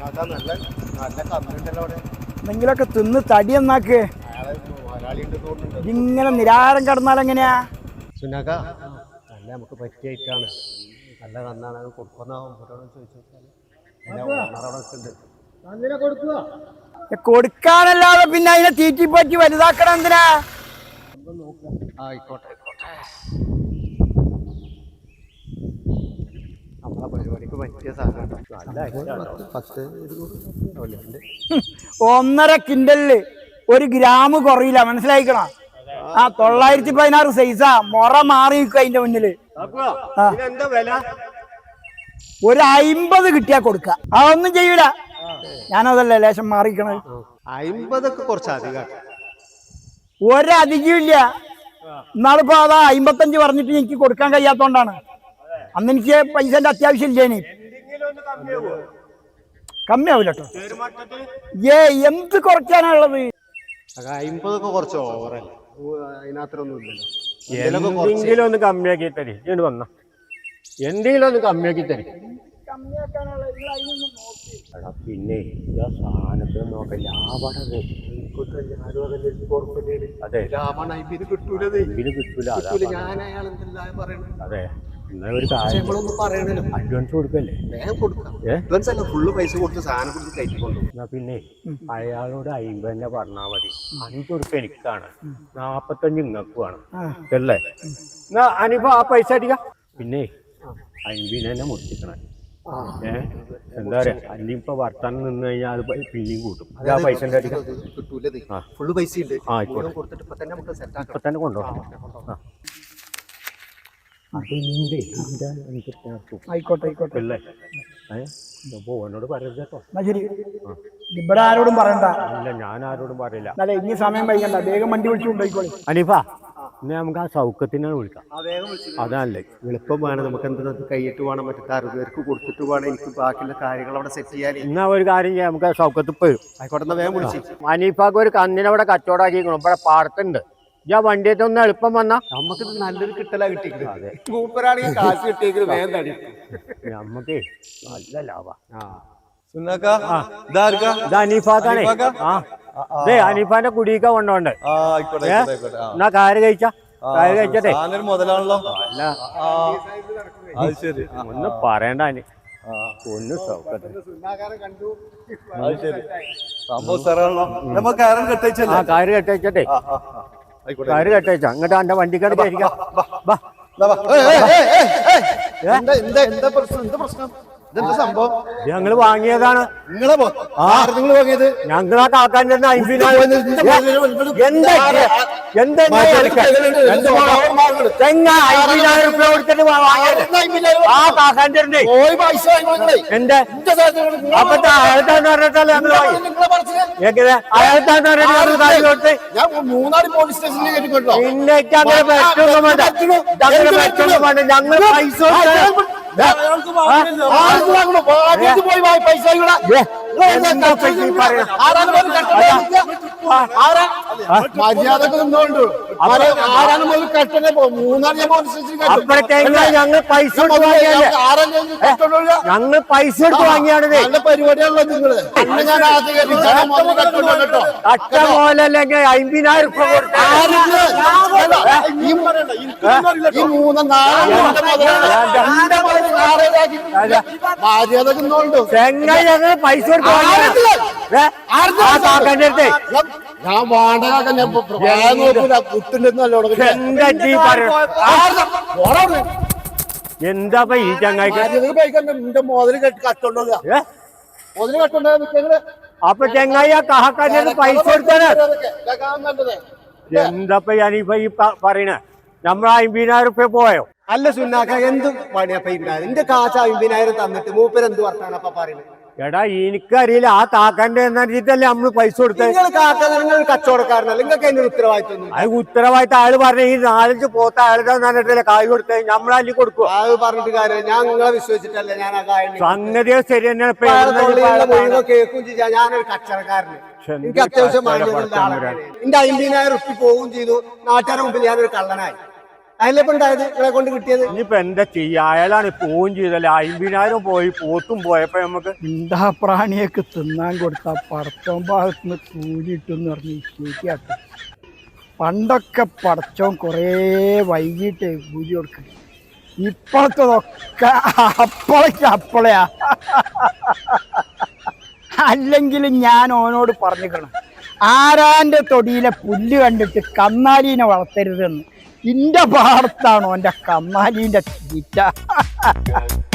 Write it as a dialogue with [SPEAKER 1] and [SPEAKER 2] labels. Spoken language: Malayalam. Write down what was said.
[SPEAKER 1] എന്തെങ്കിലൊക്കെ തിന്ന് തടി എന്നാക്ക്. ഇങ്ങനെ നിരാഹാരം കിടന്നാലെങ്ങനെയാ?
[SPEAKER 2] സുനാക നല്ല നമുക്ക് പറ്റിയായിട്ടാണ്. നല്ല കന്നാണ് അത് കൊടുക്കുന്ന
[SPEAKER 1] കൊടുക്കാനല്ലാതെ പിന്നെ അതിനെ തീറ്റിപ്പറ്റി വലുതാക്കണം എന്തിനാ?
[SPEAKER 2] ആയിക്കോട്ടെ ആയിക്കോട്ടെ. നമ്മളെ പരിപാടിക്ക് പറ്റിയ സാധനം.
[SPEAKER 1] 1.5 കിൻഡലില് 1 ഗ്രാം കുറയില്ല, മനസ്സിലായിക്കണോ? 916 സൈസാ. മൊറ മാറി നിൽക്കും അതിന്റെ മുന്നില്. ഒരു 50 കിട്ടിയാ കൊടുക്ക. അതൊന്നും ചെയ്യൂല. ഞാനതല്ലേ ലേശം മാറിക്കണത്.
[SPEAKER 2] 50 കുറച്ച് അധികം.
[SPEAKER 1] ഒരധികം ഇല്ല. എന്നാളിപ്പോ അതാ 55 പറഞ്ഞിട്ട് എനിക്ക് കൊടുക്കാൻ കഴിയാത്തോണ്ടാണ്. അന്ന് എനിക്ക് പൈസന്റെ അത്യാവശ്യം ഇല്ലേനി. കമ്മിയാവൂല കേട്ടോ. എന്ത് കുറയ്ക്കാനുള്ളത്?
[SPEAKER 2] 50 കുറച്ച് ഓവറല്ലേ, അതിനത്രൊന്നും ഇല്ലല്ലോ.
[SPEAKER 3] എന്തെങ്കിലും ഒന്ന് കമ്മിയാക്കി തരി. ഇങ്ങോട്ട് വന്ന എന്തെങ്കിലും ഒന്ന് കമ്മിയാക്കി തരി. പിന്നെ സാധനത്തിന് നോക്കാം. ലാഭമാണ്. അതെ, കിട്ടൂല. അതെ, എന്നാ ഒരു കാര്യം അഡ്വാൻസ് കൊടുക്കല്ലേ?
[SPEAKER 2] ഫുള്ള് പൈസ കൊടുത്ത് സാധനം കൊടുത്ത് കയറ്റിക്കൊണ്ടു.
[SPEAKER 3] എന്നാ പിന്നെ അയാളോട് 50 തന്നെ പറഞ്ഞാൽ മതി. 5 ഉറുപ്പ്യ എനിക്കാണ്, 45 ഇങ്ങക്കുമാണ് അല്ലേ? എന്നാ അനിപ്പോ ആ പൈസ അടിക്കാം. പിന്നെ 50 തന്നെ മുറിച്ചിക്കണേ. എന്താ പറയാ, അല്ലെങ്കിൽ ഇപ്പൊ വർത്താനം നിന്ന് കഴിഞ്ഞാൽ പിന്നെയും കൂട്ടും. ആ പൈസ അടിക്കാം.
[SPEAKER 2] ഫുള്ള് പൈസ ഉണ്ട്.
[SPEAKER 3] ഇപ്പൊ തന്നെ കൊണ്ടുപോകാം.
[SPEAKER 1] ആയിക്കോട്ടെ ആയിക്കോട്ടെ.
[SPEAKER 3] അല്ലേ ഓനോട് പറയരുത് കേട്ടോ.
[SPEAKER 1] എന്നാ ശരി. ഇവിടെ ആരോടും പറയണ്ട.
[SPEAKER 3] ഇല്ല, ഞാൻ ആരോടും പറയില്ല.
[SPEAKER 1] അല്ലെ ഇനി സമയം വൈകണ്ട, വേഗം വണ്ടി വിളിച്ചു കൊണ്ടുപോയിക്കോളി.
[SPEAKER 3] അനീഫാ, ഇന്ന് നമുക്ക് ആ സൗഖ്യത്തിനാണ് വിളിക്കാം. അതല്ലേ
[SPEAKER 2] എളുപ്പം വേണം. നമുക്ക് എന്താ കൈയിട്ട് വേണം, മറ്റേ 60 പേർക്ക് കൊടുത്തിട്ട് വേണം എനിക്ക് ബാക്കിയുള്ള കാര്യങ്ങൾ അവിടെ സെറ്റ് ചെയ്യാൻ.
[SPEAKER 3] എന്നാ ഒരു കാര്യം ചെയ്യാം, നമുക്ക് ആ സൗഖ്യത്തിൽ പോയി.
[SPEAKER 2] ആയിക്കോട്ടെ, വേഗം വിളിച്ചു.
[SPEAKER 3] അനീഫാക്ക് ഒരു കന്നിനെ അവിടെ കച്ചവടാക്കിക്കണം. ഇവിടെ പാടത്തുണ്ട്. ഞാൻ വണ്ടിയിട്ട് ഒന്ന് എളുപ്പം വന്നാ
[SPEAKER 2] നമുക്ക് നല്ലൊരു കിട്ടലാ കിട്ടിയത്. മൂപ്പരാണെങ്കിൽ കാശ് കിട്ടിയെങ്കിൽ വേഗം തടി.
[SPEAKER 3] നമുക്ക് നല്ല ലാഭ.
[SPEAKER 2] അനീഫാക്കാണേ.
[SPEAKER 3] അനീഫാന്റെ കുടിയൊക്കെ കൊണ്ടോണ്ട്. എന്നാ കാര് കഴിച്ചാ കാര് കഴിച്ചട്ടെ.
[SPEAKER 2] മുതലാണല്ലോ.
[SPEAKER 3] അല്ല ഒന്നും പറയണ്ട. ഒന്ന് സൗഖ്യത്തെ കാര് കെട്ടയച്ചട്ടെ. കാര് കെട്ടയച്ച അങ്ങോട്ട് എന്റെ വണ്ടിക്കാട് കയറിക്കാം. ഞങ്ങള് വാങ്ങിയതാണ്. ഞങ്ങളാ കാക്കാൻ്റെ 50,000 രൂപ കൊടുത്തിട്ട് വാങ്ങിയത്. ആ കാക്കാൻ്റെ എന്റെ അപ്പത്തെ അയാളത്താന്ന് പറഞ്ഞിട്ടല്ലേ ഞങ്ങൾ വാങ്ങി. അയാളത്താന്ന് പറഞ്ഞിട്ട് കാര്യം കൊടുത്ത് പിന്നെ അങ്ങനെ പറ്റൊന്നും വേണ്ട. അങ്ങനെ പറ്റൊന്നും വേണ്ട. ഞങ്ങൾ പൈസ
[SPEAKER 2] മര്യാദക്ക് നിന്നോണ്ട്
[SPEAKER 3] ഞങ്ങൾ പൈസ ഞങ്ങൾ പൈസ എടുത്ത് വാങ്ങിയാണ്.
[SPEAKER 2] നല്ല പരിപാടിയാണല്ലോ നിങ്ങള്.
[SPEAKER 3] കട്ട പോലല്ലെങ്കിൽ 50,000 രൂപ കൊടുത്ത
[SPEAKER 2] മര്യാദക്ക് നിന്നോണ്ട്
[SPEAKER 3] ഞങ്ങൾ പൈസ എടുത്ത് വാങ്ങിയാ.
[SPEAKER 2] ഞാൻ വാടക
[SPEAKER 3] എന്താ ഈ ചങ്ങായിക്ക്
[SPEAKER 2] മുതല് കട്ടുണ്ടോ മുതല് കട്ടുണ്ടോ?
[SPEAKER 3] അപ്പൊ ചങ്ങായി ആ കഹക്കാൻ്റെ പൈസ കൊടുത്താല് എന്താ ഞാനിപ്പ ഈ പറയണേ? നമ്മൾ 50,000 രൂപ പോയോ?
[SPEAKER 2] അല്ല സുന്നാക്ക, എന്ത് പണിയപ്പ എന്റെ കാശ് 50,000 തന്നിട്ട് മൂപ്പരെന്ത് വർത്താനപ്പ പറയുന്നത്?
[SPEAKER 3] എടാ എനിക്കറിയില്ല. ആ കാക്കാന്റെ എന്നറിഞ്ഞിട്ടല്ലേ നമ്മള് പൈസ കൊടുത്തത്.
[SPEAKER 2] നിങ്ങൾ കച്ചവടക്കാരനല്ല, നിങ്ങൾക്ക് അതിന്റെ ഉത്തരവാദിത്വം.
[SPEAKER 3] അത് ഉത്തരവാദിത്തം അയാൾ പറഞ്ഞ ഈ 4-5 പോത്ത അയാളുടെ പറഞ്ഞിട്ടല്ലേ കായ് കൊടുത്തത്. നമ്മളല്ലി കൊടുക്കുക.
[SPEAKER 2] അത് പറഞ്ഞിട്ട് കാര്യം. ഞാൻ നിങ്ങളെ വിശ്വസിച്ചിട്ടല്ല ഞാൻ ആ കാര്യം.
[SPEAKER 3] സംഗതിയോ ശരി തന്നെയാണ്.
[SPEAKER 2] കേൾക്കും ചെയ്യാം. ഞാനൊരു കച്ചവടക്കാരന്. എനിക്ക് അത്യാവശ്യം എന്റെ 50,000 റുപ്യ പോവുകയും ചെയ്തു. നാട്ടുകാരുടെ മുമ്പിൽ ഞാനൊരു കള്ളനായി. അതിലിപ്പോ ഉണ്ടായത് നിങ്ങളെ കൊണ്ട് കിട്ടിയത്.
[SPEAKER 3] ഇനിയിപ്പോ എന്താ ചെയ്യാ, അയാളാണ് പോവും ചെയ്തല്ലേ, 50,000 പോയി, പോത്തും പോയപ്പോ നമുക്ക്
[SPEAKER 1] എന്താ പ്രാണിയൊക്കെ തിന്നാൻ കൊടുത്ത പടച്ചോൻ ഭാഗത്തുനിന്ന് കൂലിട്ടെന്ന് പറഞ്ഞ് ശരിയാക്കും. പണ്ടൊക്കെ പടച്ചോൻ കുറേ വൈകിട്ട് കൂലി കൊടുക്കും. ഇപ്പോഴത്തതൊക്കെ അപ്പളയാ. അല്ലെങ്കിൽ ഞാൻ ഓനോട് പറഞ്ഞിക്കണം, ആരാന്റെ തൊടിയിലെ പുല്ല് കണ്ടിട്ട് കന്നാലീനെ വളർത്തരുതെന്ന്. ഇന്റെ പാടത്താണോ എൻ്റെ കന്നാലീൻ്റെ തീറ്റ.